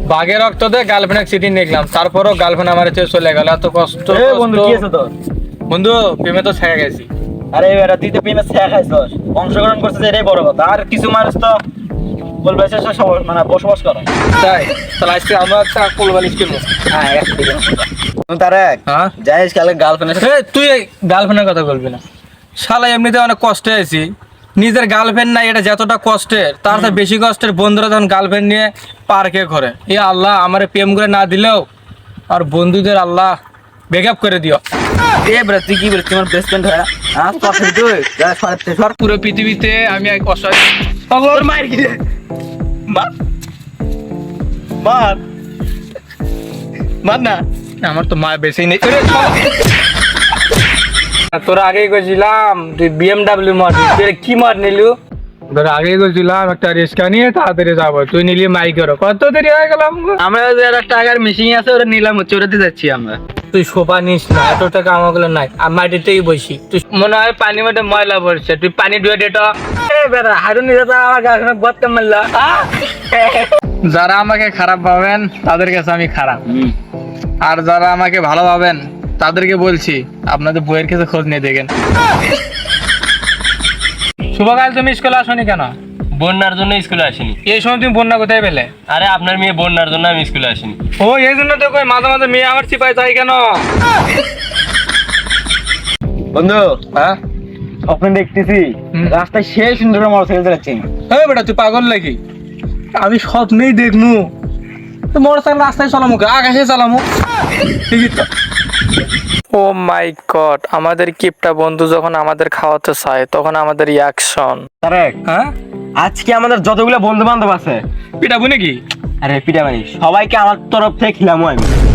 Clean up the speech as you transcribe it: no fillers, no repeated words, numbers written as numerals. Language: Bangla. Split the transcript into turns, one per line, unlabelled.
বাঘের রক্ত দিয়ে গার্লফ্রেন্ড চিঠি লিখলাম, তারপরও গার্লফ্রেন্ড আমার ছেড়ে চলে গেল। এত কষ্ট।
বন্ধু কি আছে তোর?
বন্ধু প্রেমে তো ছেড়ে গেছি।
আরে বেটা তুই তো প্রেমে ছেঁকা খাইছস, অংশগ্রহণ করছিস, এটাই বড় কথা। আর কিছু মানুষ তো বলবে সে সব মানে বসবাস করে।
তাই তাহলে আজকে আমরা একটা কোলবালিশ কিনবো।
হ্যাঁ তারেক,
হ্যাঁ
যাইস কালকে গার্লফ্রেন্ডের
এ, তুই গার্লফ্রেন্ডের কথা বলবি না। শালা এমনিতে অনেক কষ্টে আছি, নিজের গার্লফ্রেন্ড নাই, এটা যতটা কষ্টের তার চেয়ে বেশি কষ্টের বন্ধুরা যখন গার্লফ্রেন্ড নিয়ে পার্কে ঘরে। এ আল্লাহ, আমার প্রেম করে না দিলেও আর বন্ধুদের আল্লাহ ব্রেকআপ করে দিও।
এ বেটা তুই কি বলিস, তোমার বেস্ট ফ্রেন্ড হয় না? হ্যাঁ তোর সাথে তুই যা সরতে সর।
পুরো পৃথিবীতে আমি এক অসহায়।
তোর মায়ের কি রে? মার মার মার না।
আমার তো মা বেশি নেই। ওরে শালা। তোরা আগেই গেছিলাম তুই BMW মারবি, তুই কি মার নিলু? তোরা আগেই গেছিলাম একটা রিস্কা নিয়ে তাড়াতাড়ি যাবো, তুই নিলি মাইকেরও। কত দেরি হয়ে গেলাম।
আমরা যে একটা টাকার মেশিন আছে ওটা নিলাম, হচ্ছে ওটাতে যাচ্ছি আমরা।
তুই শোভা নিস না, এত টাকা আমাগুলো নাই। আর মাটিতেই বসি, তুই মনে হয় পানি মধ্যে ময়লা পড়ছে, তুই পানি ধুয়ে দে তো।
বেটা হারুন নিজে তো আমার গাছটা গর্তে মারলা।
যারা আমাকে খারাপ ভাবেন তাদের কাছে আমি খারাপ, আর যারা আমাকে ভালো ভাবেন তাদেরকে বলছি আপনাদের বইয়ের কাছে খোঁজ নিয়ে দেখেন। শুভকাল, তুমি স্কুলে আসনি কেন?
বন্যার জন্য স্কুলে আসিনি।
এই সময় তুমি বন্যা কোথায় পেলে?
আরে আপনার মেয়ে বন্যার জন্য আমি স্কুলে আসিনি।
ও এই জন্য তো কই মাঝে মাঝে মেয়ে আমার চিপায় চাই কেন?
বন্ধু
হ্যাঁ
স্বপ্ন দেখতেছি
হুম।
রাস্তায় সেই সুন্দর মোটরসাইকেল চালাচ্ছি।
হ্যাঁ বেটা তুই পাগল নাকি? আমি স্বপ্নেই দেখনু তো মোটরসাইকেল রাস্তায় চালামু, আকাশে চালামু। ঠিকই তো। ও মাই গড, আমাদের কিপটা বন্ধু যখন আমাদের খাওয়াতে চায় তখন আমাদের অ্যাকশন।
তারেক,
হ্যাঁ
আজকে আমাদের যতগুলো বন্ধু বান্ধব আছে,
পিটাবো নাকি?
আরে পিঠা মানি সবাইকে আমার তরফ থেকে খিলামু আমি।